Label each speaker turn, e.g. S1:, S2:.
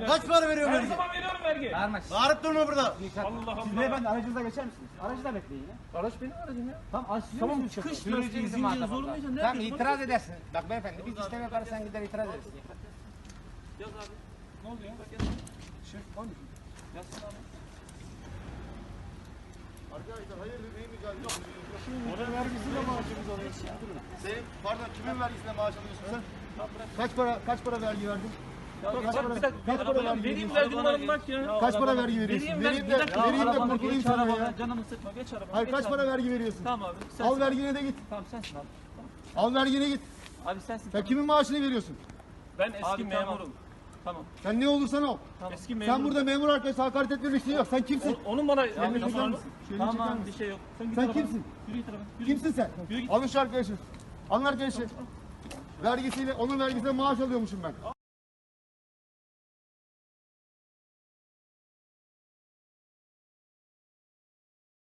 S1: Kaç para veriyorum
S2: Her
S1: vergi?
S2: zaman veriyorum vergi.
S3: Bağırma.
S1: Bağırıp durma burada.
S2: Allah
S3: Siz
S2: Allah.
S3: beyefendi aracınıza geçer misiniz? Aracı da bekleyin ya.
S2: Araç benim aracım ya.
S3: Tamam
S2: çıkış
S3: Sürücü
S2: lastiği,
S3: bizim
S2: zincir
S3: muhatap
S2: zorlayacağım,
S3: olacak.
S2: ne
S3: Tamam
S2: yapıyorsun?
S3: itiraz edersin. Bak beyefendi biz işlem yaparız sen gider itiraz edersin.
S2: Yaz abi. Ne oluyor? Bak yaz. Yazsın abi.
S1: Arkadaşlar hayırdır neyin mücadele ediyorsun?
S4: Ona vergisiyle maaşımız alıyor.
S1: Senin pardon kimin vergisine maaş alıyorsun sen? Kaç para vergi verdin? Kaç para vergi
S2: Vereyim
S1: veriyorsun?
S2: vergi numaramı bak ya.
S1: Kaç para vergi veriyorsun? Vereyim de kurtulayım sana ya.
S2: Canımı sıkma geç arabana.
S1: Hayır
S2: geç
S1: kaç
S2: abi.
S1: para vergi veriyorsun?
S2: Tamam abi. Sensin.
S1: Al vergine de git.
S2: Tamam sensin abi.
S1: Al vergine git.
S2: Abi sensin.
S1: Sen kimin maaşını veriyorsun?
S2: Ben eski memurum. Tamam.
S1: Sen ne olursan ol.
S2: Eski memurum.
S1: Sen burada memur arkadaşa hakaret etme bir şey yok. Sen kimsin?
S2: Onun bana
S1: Şöyle çeker
S2: tamam.
S1: misin? Şöyle çeker
S2: Tamam
S1: misin?
S2: bir şey yok. Git
S1: Sen
S2: arabana.
S1: kimsin?
S2: Yürü git arabana. Yürü
S1: Kimsin sen?
S2: Yürü git.
S1: Alın şu arkadaşı. Alın arkadaşı. Vergisiyle, onun vergisiyle maaş alıyormuşum ben.